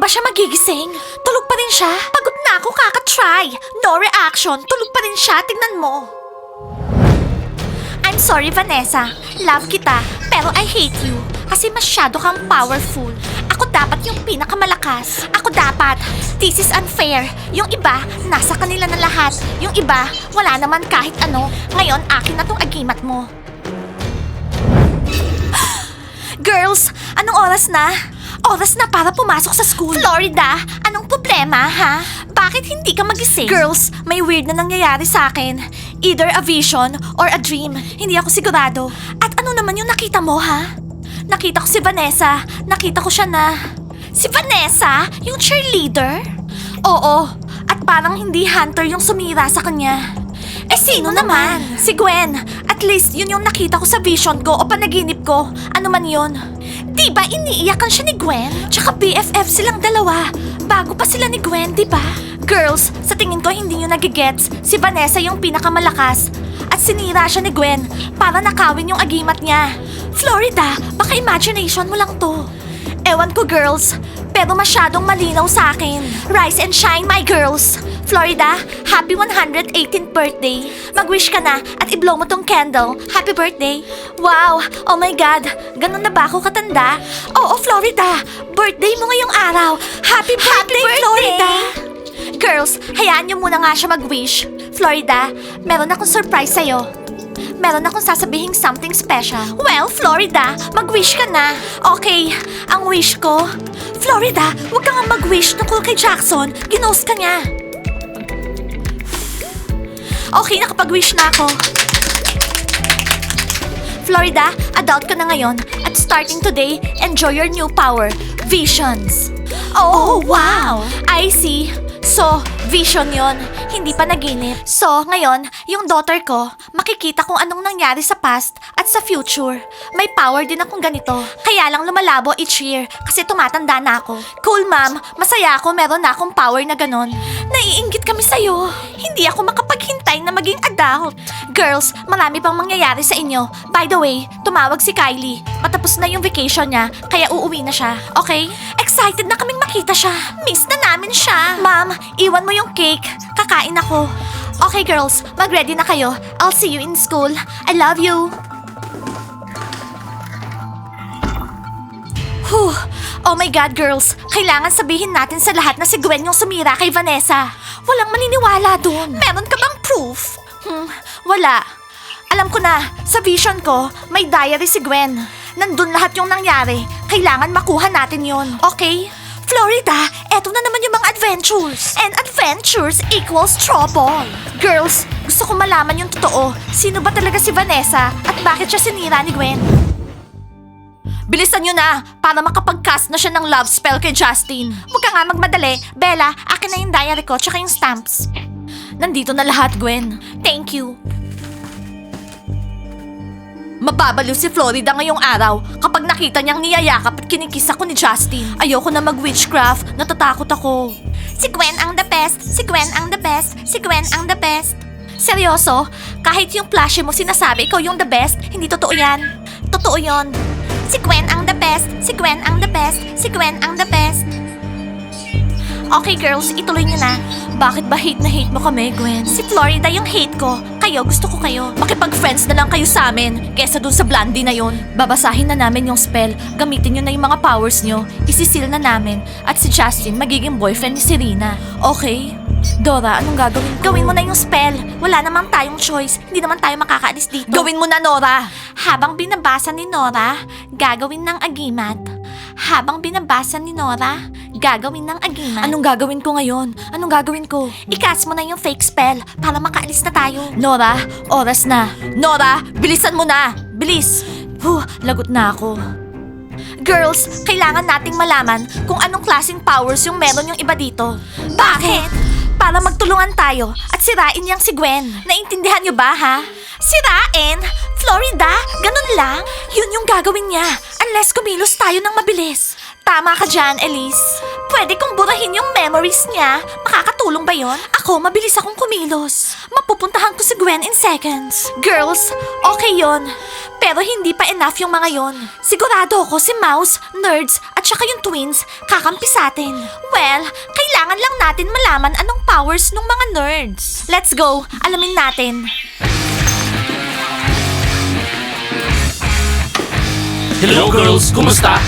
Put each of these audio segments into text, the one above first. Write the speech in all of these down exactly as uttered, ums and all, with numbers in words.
ba siya magigising? Tulog pa rin siya? Pagod na ako kaka-try. No reaction. Tulog pa rin siya. Tingnan mo. I'm sorry, Vanessa. Love kita, pero I hate you. Kasi masyado kang powerful. Ako dapat yung pinakamalakas. Ako dapat. This is unfair. Yung iba, nasa kanila na lahat. Yung iba, wala naman kahit ano. Ngayon, akin na tong agimat mo. Girls, anong oras na? Oras na para pumasok sa school. Florida, anong problema, ha? Bakit hindi ka magising? Girls, may weird na nangyayari sa akin. Either a vision or a dream. Hindi ako sigurado. At ano naman yung nakita mo, ha? Nakita ko si Vanessa. Nakita ko siya na... Si Vanessa? Yung cheerleader? Oo. At parang hindi Hunter yung sumira sa kanya. Eh sino naman? Si Gwen. At least yun yung nakita ko sa vision ko o panaginip ko. Ano man yun. Diba iniiyakan siya ni Gwen? Tsaka B F F silang dalawa. Bago pa sila ni Gwen, diba? Girls, sa tingin ko hindi nyo nagigets. Si Vanessa yung pinakamalakas. At sinira siya ni Gwen para nakawin yung agimat niya. Florida, baka imagination mo lang to. Ewan ko, girls. Pero masyadong malinaw sa akin. Rise and shine, my girls. Florida, happy one hundred eighteenth birthday. Mag-wish ka na at i-blow mo tong candle. Happy birthday. Wow, oh my God. Ganun na ba ako katanda? Oo, Florida. Birthday mo ngayong araw. Happy birthday, happy birthday. Florida. Girls, hayaan niyo muna nga siya mag-wish. Florida, meron akong surprise sa'yo. Meron akong sasabihing something special. Well, Florida, mag-wish ka na. Okay, ang wish ko... Florida, huwag ka nga mag-wish tungkol kay Jackson. Ginost ka niya. Okay, nakapag-wish na ako. Florida, adult ka na ngayon. At starting today, enjoy your new power, visions. Oh, wow! I see. So, vision yon, hindi pa naginip. So, ngayon, yung daughter ko, makikita kung anong nangyari sa past at sa future. May power din akong ganito. Kaya lang lumalabo each year kasi tumatanda na ako. Cool, ma'am. Masaya ako meron na akong power na ganon. Naiinggit kami sa'yo. Hindi ako makapaghintay na maging adult. Girls, marami pang mangyayari sa inyo. By the way, tumawag si Kylie. Matapos na yung vacation niya, kaya uuwi na siya. Okay? Excited na kaming makita siya. Miss na namin siya. Ma'am, iwan mo yung cake. Kakain ako. Okay, girls, mag-ready na kayo. I'll see you in school. I love you. Whew. Oh my God, girls. Kailangan sabihin natin sa lahat na si Gwen yung sumira kay Vanessa. Walang maniniwala dun. Meron ka bang proof? Hmm, wala. Alam ko na, sa vision ko, may diary si Gwen. Nandun lahat yung nangyari. Kailangan makuha natin yon, okay? Florida, eto na naman yung mga adventures. And adventures equals trouble. Girls, gusto ko malaman yung totoo. Sino ba talaga si Vanessa at bakit siya sinira ni Gwen? Bilisan nyo na para makapag-cast na siya ng love spell kay Justin. Huwag ka nga magmadali. Bella, akin na yung diary ko tsaka yung stamps. Nandito na lahat, Gwen. Thank you. Mababaliw si Florida ngayong araw kapag nakita niyang niyayakap at kinikis ako ni Justin. Ayoko na mag-witchcraft, natatakot ako. Si Gwen ang the best, si Gwen ang the best, si Gwen ang the best. Seryoso? Kahit yung flashy mo sinasabi ikaw yung the best, hindi totoo yan. Totoo yon. Si Gwen ang the best, si Gwen ang the best, si Gwen ang the best. Okay girls, ituloy niyo na. Bakit ba hate na hate mo kami, Gwen? Si Florida yung hate ko. Kayo, gusto ko kayo. Makipag-friends na lang kayo sa amin kesa dun sa Blondie na yon. Babasahin na namin yung spell. Gamitin nyo na yung mga powers nyo. Isisil na namin. At si Justin magiging boyfriend ni Serena. Okay? Dora, anong gagawin ko? Gawin mo na yung spell. Wala namang tayong choice. Hindi naman tayo makakaalis dito. Gawin mo na, Nora! Habang binabasa ni Nora, gagawin ng agimat. Habang binabasa ni Nora, gagawin ng agimat. Anong gagawin ko ngayon? Anong gagawin ko? I-cast mo na yung fake spell para makaalis na tayo. Nora, oras na. Nora, bilisan mo na! Bilis! Huh, lagot na ako. Girls, kailangan nating malaman kung anong klaseng powers yung meron yung iba dito. Bakit? Para magtulungan tayo at sirain niyang si Gwen. Naintindihan niyo ba, ha? Sirain? Florida? Ganun lang? Yun yung gagawin niya. Unless kumilos tayo ng mabilis. Tama ka dyan, Elise. Pwede kong burahin yung memories niya. Makakatulong ba yon? Ako, mabilis akong kumilos. Mapupuntahan ko si Gwen in seconds. Girls, okay yon. Pero hindi pa enough yung mga yon. Sigurado ako si Mouse, Nerds, at saka yung twins kakampi sa atin. Well, kailangan lang natin malaman anong powers ng mga nerds. Let's go, alamin natin. Hello girls, kumusta?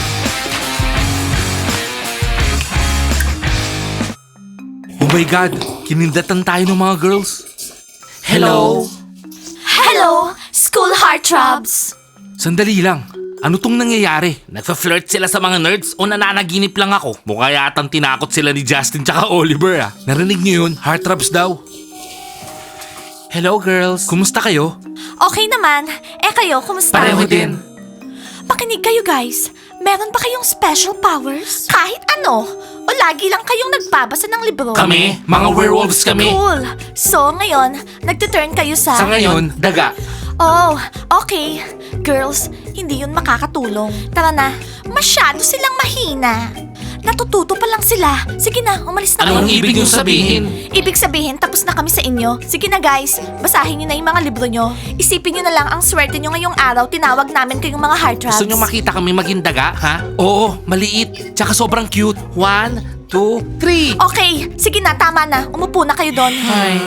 Oh my God, kinindatan tayo ng mga girls. Hello? Hello, school heartthrobs. Sandali lang. Ano tong nangyayari? Nagfa-flirt sila sa mga nerds o nananaginip lang ako? Mukha yatang tinakot sila ni Justin tsaka Oliver ah. Narinig niyo yun? Heartthrobs daw. Hello girls, kumusta kayo? Okay naman. Eh kayo, kumusta? Pareho din. Pakinig kayo guys. Meron ba kayong special powers? Kahit ano? O lagi lang kayong nagbabasa ng libro? Kami, mga werewolves kami. Cool. So ngayon, nagtuturn kayo sa... Sa ngayon, daga. Oh, okay. Girls, hindi yun makakatulong. Tara na. Masyado silang mahina. Natututo pa lang sila. Sige na, umalis na Ano ang kayo. ibig niyong sabihin? Ibig sabihin, tapos na kami sa inyo. Sige na guys, basahin nyo na yung mga libro nyo. Isipin nyo na lang ang swerte nyo ngayong araw. Tinawag namin kayong mga heartthrobs. Gusto niyo makita kami maging daga, ha? Oo, maliit. Tsaka sobrang cute. One, two, three. Okay, sige na, tama na. Umupo na kayo doon. Hi.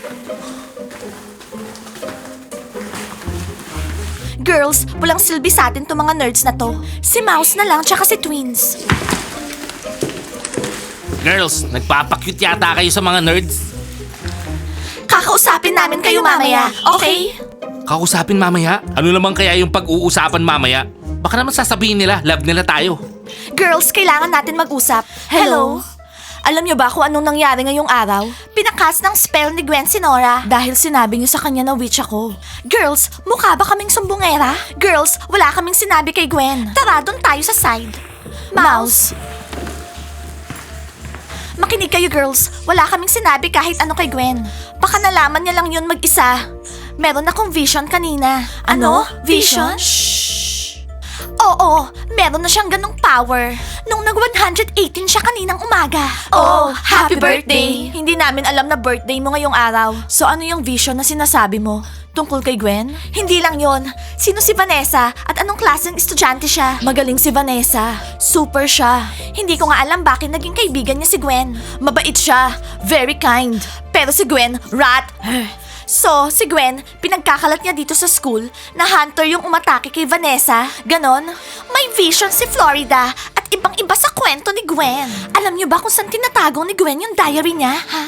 Girls, walang silbi sa atin to mga nerds na to. Si Mouse na lang, tsaka si Twins. Girls, nagpapakyut yata kayo sa mga nerds. Kakausapin namin kayo mamaya, okay? Kausapin mamaya? Ano naman kaya yung pag-uusapan mamaya? Baka naman sasabihin nila, love nila tayo. Girls, kailangan natin mag-usap. Hello? Alam niyo ba kung anong nangyari ngayong araw? Pinakas ng spell ni Gwen si Nora dahil sinabi niyo sa kanya na witch ako. Girls, mukha ba kaming sumbongera? Girls, wala kaming sinabi kay Gwen. Tara, doon tayo sa side. Mouse. Makinig kayo girls, wala kaming sinabi kahit ano kay Gwen. Baka nalaman niya lang yun mag-isa. Meron akong vision kanina. Ano? Vision? Shh! Oo, meron na siyang ganong power. Nung nag one hundred eighteen siya kaninang umaga. Oh, happy birthday! Hindi namin alam na birthday mo ngayong araw. So ano yung vision na sinasabi mo? Tungkol kay Gwen? Hindi lang yon. Sino si Vanessa at anong klaseng estudyante siya? Magaling si Vanessa. Super siya. Hindi ko nga alam bakit naging kaibigan niya si Gwen. Mabait siya. Very kind. Pero si Gwen, rat. So, si Gwen, pinagkakalat niya dito sa school na hunter yung umatake kay Vanessa. Ganon. May vision si Florida at ibang-iba sa kwento ni Gwen. Alam niyo ba kung saan tinatago ni Gwen yung diary niya, ha?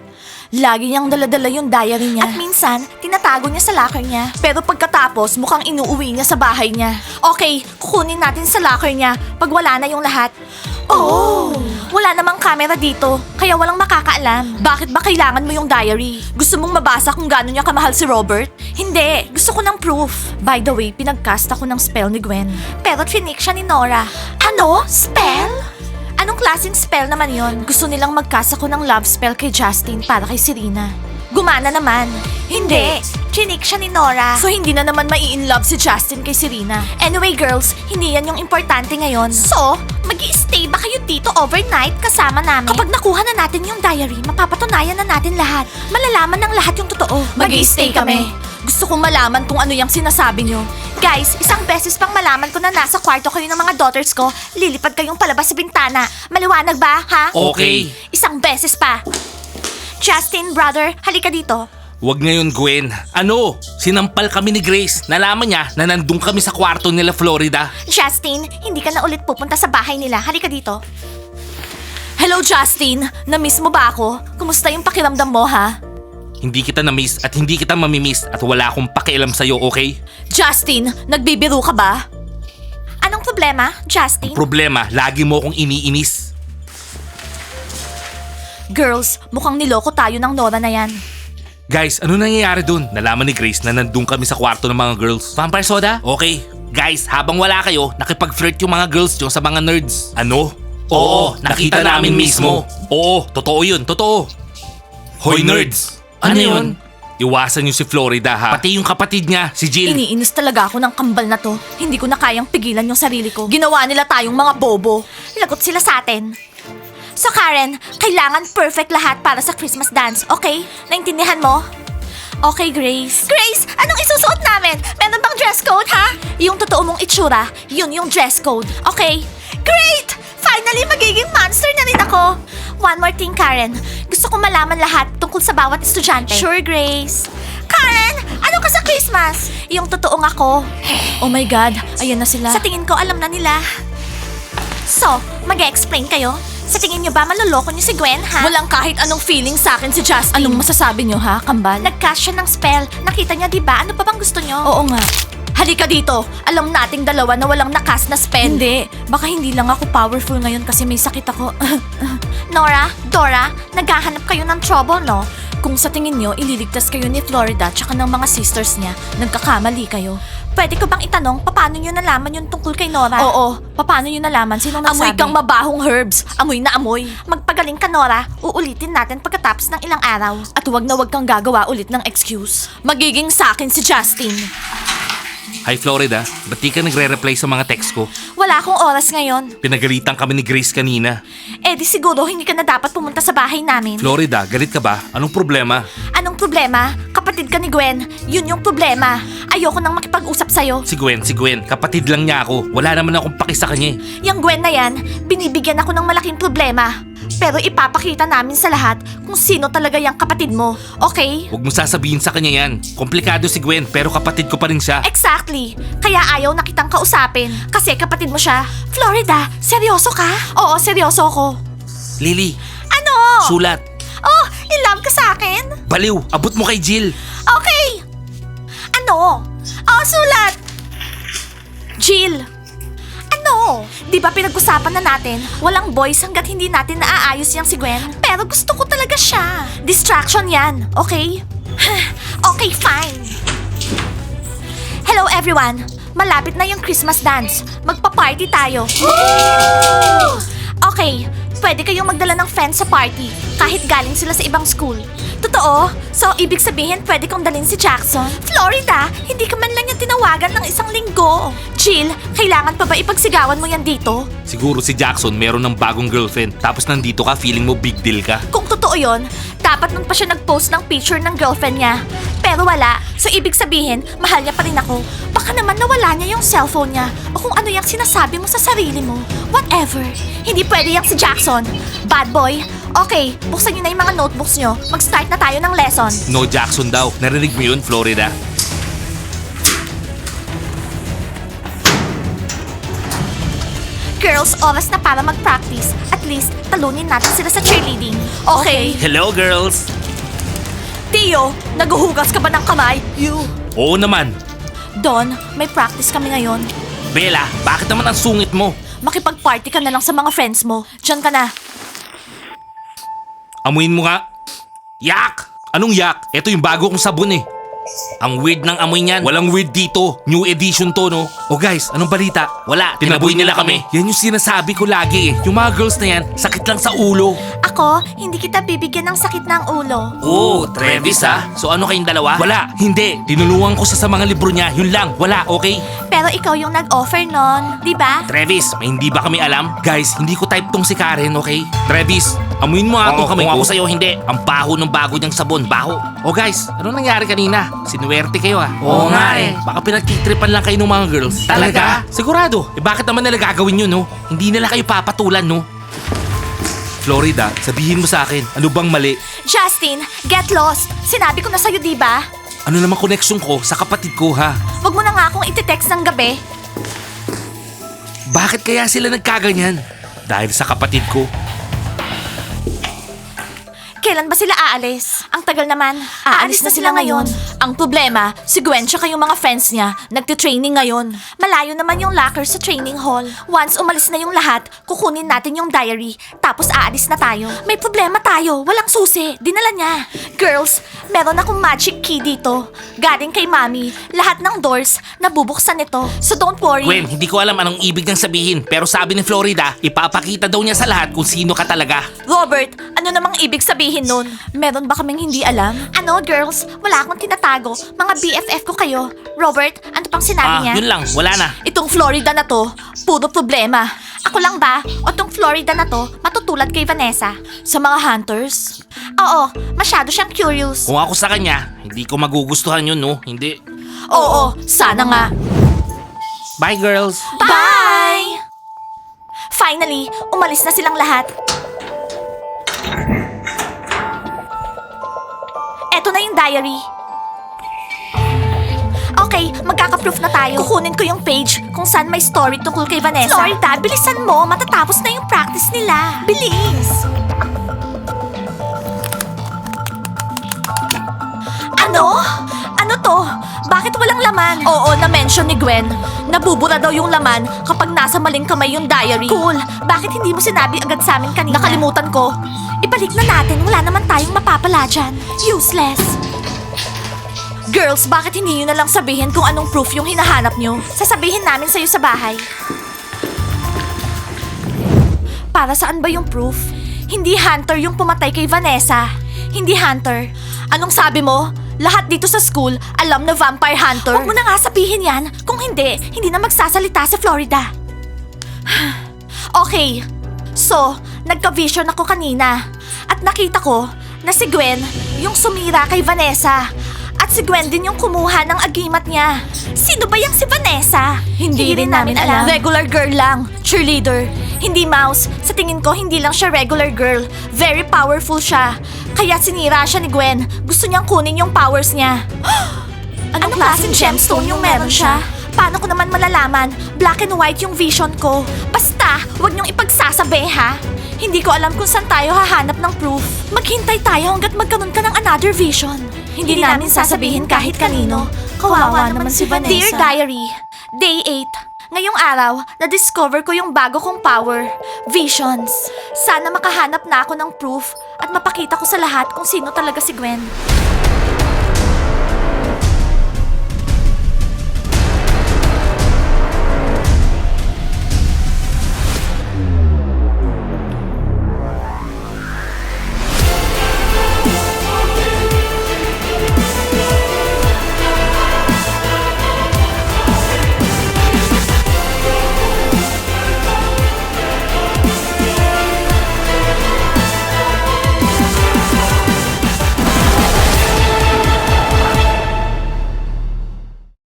Lagi niyang daladala yung diary niya. At minsan, tinatago niya sa locker niya. Pero pagkatapos, mukhang inuuwi niya sa bahay niya. Okay, kukunin natin sa locker niya pag wala na yung lahat. Oh! Wala namang camera dito, kaya walang makakaalam. Bakit ba kailangan mo yung diary? Gusto mong mabasa kung gaano niya kamahal si Robert? Hindi, gusto ko ng proof. By the way, pinagcast ako ng spell ni Gwen. Pero trinik siya ni Nora. Ano? Spell? Anong klaseng spell naman yon? Gusto nilang magcast ako ng love spell kay Justin para kay Serena. Gumana naman. Hindi. Chinik siya ni Nora. So hindi na naman mai-inlove si Justin kay Serena. Anyway girls, hindi yan yung importante ngayon. So, mag-i-stay ba kayo dito overnight kasama namin? Kapag nakuha na natin yung diary, mapapatunayan na natin lahat. Malalaman ng lahat yung totoo. Mag-i-stay kami. Gusto kong malaman kung ano yung sinasabi nyo. Guys, isang beses pang malaman ko na nasa kwarto kayo ng mga daughters ko, lilipad kayong palabas sa bintana. Maliwanag ba, ha? Okay. Isang beses pa. Justin, brother, halika dito. Wag ngayon, Gwen. Ano? Sinampal kami ni Grace. Nalaman niya na nandun kami sa kwarto nila Florida. Justin, hindi ka na ulit pupunta sa bahay nila. Halika dito. Hello, Justin. Na-miss mo ba ako? Kumusta yung pakiramdam mo, ha? Hindi kita na-miss at hindi kita mamimiss at wala akong pakialam sa'yo, okay? Justin, nagbibiro ka ba? Anong problema, Justin? Problema, lagi mo akong iniinis. Girls, mukhang niloko tayo ng Nora na yan. Guys, ano nangyayari dun? Nalaman ni Grace na nandun kami sa kwarto ng mga girls. Vampire soda? Okay. Guys, habang wala kayo, nakipag-flirt yung mga girls nyo sa mga nerds. Ano? Oo, nakita namin mismo. Oo, totoo yun, totoo. Hoy nerds! Ano yun? Iwasan niyo si Florida ha. Pati yung kapatid niya, si Jill. Iniinis talaga ako ng kambal na to. Hindi ko na kayang pigilan yung sarili ko. Ginawa nila tayong mga bobo. Lagot sila sa atin. So Karen, kailangan perfect lahat para sa Christmas dance, okay? Naintindihan mo? Okay, Grace. Grace, anong isusuot namin? Meron bang dress dress code, ha? Yung totoo mong itsura, yun yung dress code. Okay? Great! Finally, magiging monster na rin ako. One more thing, Karen. Gusto ko malaman lahat tungkol sa bawat estudyante. Sure, Grace. Karen, ano ka sa Christmas? Yung totoong ako. Oh my God, ayan na sila. Sa tingin ko, alam na nila. So, mag-explain kayo? Sa tingin nyo ba maloloko niyo si Gwen, ha? Walang kahit anong feeling sa akin si Justin. Anong masasabi nyo, ha, kambal? Nag-cast siya ng spell. Nakita niya, di ba? Ano pa bang gusto nyo? Oo nga. Halika dito. Alam nating dalawa na walang nakas na spell. Hindi. Baka hindi lang ako powerful ngayon kasi may sakit ako. Nora, Dora, naghahanap kayo ng trouble, no? Kung sa tingin nyo, ililigtas kayo ni Florida tsaka ng mga sisters niya, nagkakamali kayo. Pwede ko bang itanong, paano nyo nalaman yung tungkol kay Nora? Oo, paano nyo nalaman? Sino nagsabi? Amoy kang mabahong herbs. Amoy na amoy. Magpagaling ka, Nora. Uulitin natin pagkatapos ng ilang araw. At huwag na huwag kang gagawa ulit ng excuse. Magiging sa akin si Justin. Hi Florida, ba't di ka nagre-reply sa mga text ko? Wala akong oras ngayon. Pinagalitan kami ni Grace kanina. Eh di siguro hindi ka na dapat pumunta sa bahay namin. Florida, galit ka ba? Anong problema? Anong problema? Kapatid ka ni Gwen. Yun yung problema. Ayoko nang makipag-usap sa'yo. Si Gwen, si Gwen, kapatid lang niya ako. Wala naman akong paki sa kanya eh. Yung Gwen na yan, binibigyan ako ng malaking problema. Pero ipapakita namin sa lahat kung sino talaga yung kapatid mo. Okay? Huwag mo sasabihin sa kanya yan. Komplikado si Gwen, pero kapatid ko pa rin siya. Exactly. Kaya ayaw na kitang kausapin. Kasi kapatid mo siya. Florida, seryoso ka? Oo, seryoso ako. Lily, Ano? sulat. Oh, in love ka sa akin? Baliw, abot mo kay Jill. Okay. Ano? Oh, sulat. Jill. Ano? Di ba pinag-usapan na natin, walang boys hanggat hindi natin naaayos yang si Gwen? Pero gusto ko talaga siya. Distraction yan, okay? Okay, fine. Hello everyone! Malapit na yung Christmas dance. Magpa-party tayo. Okay, pwede kayong magdala ng friends sa party kahit galing sila sa ibang school. Totoo? So, ibig sabihin pwede kong dalhin si Jackson? Florida, hindi ka man lang yung tinawagan ng isang linggo. Jill, kailangan pa ba ipagsigawan mo yan dito? Siguro si Jackson meron ng bagong girlfriend. Tapos nandito ka, feeling mo big deal ka. Kung totoo yon, dapat nun pa siya nag-post ng picture ng girlfriend niya. Pero wala, so ibig sabihin, mahal niya pa rin ako. Baka naman nawala niya yung cellphone niya o kung ano yung sinasabi mo sa sarili mo. Whatever. Hindi pwede yung si Jackson. Bad boy. Okay, buksan niyo na yung mga notebooks niyo. Mag-start na tayo ng lesson. No Jackson daw. Narinig mo yun, Florida? Girls, oras na para mag-practice. At least, talunin natin sila sa cheerleading. Okay. Hello, girls! Tio, naguhugas ka ba ng kamay? You. Oo naman. Don, may practice kami ngayon. Bella, bakit naman ang sungit mo? Makipag-party ka na lang sa mga friends mo. Diyan ka na. Amuin mo nga. Yak! Anong yak? Ito yung bago kong sabon eh. Ang weird ng amoy niyan. Walang weird dito. New edition to, no? Oh guys, anong balita? Wala, tinaboy nila kami. Yan yung sinasabi ko lagi eh. Yung mga girls na yan, sakit lang sa ulo. Ako, hindi kita bibigyan ng sakit ng ulo. Oh, Travis ha? So ano kayong dalawa? Wala, hindi. Tinulungan ko siya sa mga libro niya. Yun lang, wala, okay? Pero ikaw yung nag-offer nun, di ba? Travis, may hindi ba kami alam? Guys, hindi ko type tong si Karen, okay? Travis, amuin mo nga itong kamay ko. Kung ako sa'yo, hindi. Ang baho ng bago niyang sabon, baho. Oh guys, ano nangyari kanina? Sinuwerte kayo ah. Oo nga eh. Baka pinagtitripan lang kayo ng mga girls. Talaga? Sigurado. Eh bakit naman nila gagawin yun, no? Hindi nila kayo papatulan, no? Florida, sabihin mo sa akin, ano bang mali? Justin, get lost. Sinabi ko na sa'yo, di ba? Ano namang connection ko sa kapatid ko, ha? Huwag mo na nga akong iti-text ng gabi. Bakit kaya sila nagkaganyan? Dahil sa kapatid ko. Kailan ba sila aalis? Ang tagal naman. Aalis na sila ngayon. Ang problema, si Gwen tsaka yung mga friends niya, nagtitraining ngayon. Malayo naman yung locker sa training hall. Once umalis na yung lahat, kukunin natin yung diary, tapos aalis na tayo. May problema tayo, walang susi, dinala niya. Girls, meron akong magic key dito. Galing kay Mami, lahat ng doors, nabubuksan nito. So don't worry. Gwen, hindi ko alam anong ibig niyang sabihin, pero sabi ni Florida, ipapakita daw niya sa lahat kung sino ka talaga. Robert, ano namang ibig sabihin nun? Meron ba kaming hindi alam? Ano, girls? Wala akong tinatago. Mga B F F ko kayo. Robert, ano pang sinabi Ah, niya? yun lang, wala na. Itong Florida na to, puro problema. Ako lang ba? O tong Florida na to, matutulad kay Vanessa? Sa mga hunters? Oo, masyado siyang curious. Kung ako sa kanya, hindi ko magugustuhan yun, no? Hindi. Oo, sana nga. Bye, girls! Bye! Finally, umalis na silang lahat. Eto na yung diary. Okay, magkaka-proof na tayo. Kukunin ko yung page kung saan may story tungkol kay Vanessa. Florida, bilisan mo. Matatapos na yung practice nila. Bilis! Ano? Ano to? Bakit walang laman? Oo, na-mention ni Gwen. Nabubura daw yung laman kapag nasa maling kamay yung diary. Cool. Bakit hindi mo sinabi agad sa amin kanina? Nakalimutan ko. Ibalik na natin. Wala naman tayong mapapala dyan. Useless. Girls, bakit hindi nyo na lang sabihin kung anong proof yung hinahanap nyo? Sasabihin namin sa'yo sa bahay. Para saan ba yung proof? Hindi Hunter yung pumatay kay Vanessa. Hindi Hunter. Anong sabi mo? Lahat dito sa school, alam na Vampire Hunter. Huwag mo na nga sabihin yan. Kung hindi, hindi na magsasalita sa Florida. Okay. So, nagka-vision ako kanina. At nakita ko na si Gwen yung sumira kay Vanessa. At si Gwen din yung kumuha ng agimat niya. Sino ba yung si Vanessa? Hindi, rin namin alam. Regular girl lang. Cheerleader. Hindi Mouse. Sa tingin ko, hindi lang siya regular girl. Very powerful siya. Kaya sinira siya ni Gwen. Gusto niyang kunin yung powers niya. Anong, Anong klaseng gemstone yung meron siya? Paano ko naman malalaman? Black and white yung vision ko. Basta, huwag niyong ipagsasabi ha. Hindi ko alam kung saan tayo hahanap ng proof. Maghintay tayo hanggat magkaroon ka ng another vision. Hindi, Hindi namin sasabihin kahit kanino. Kawawa naman si Vanessa. Dear Diary, Day eight. Ngayong araw, na-discover ko yung bago kong power, Visions. Sana makahanap na ako ng proof at mapakita ko sa lahat kung sino talaga si Gwen.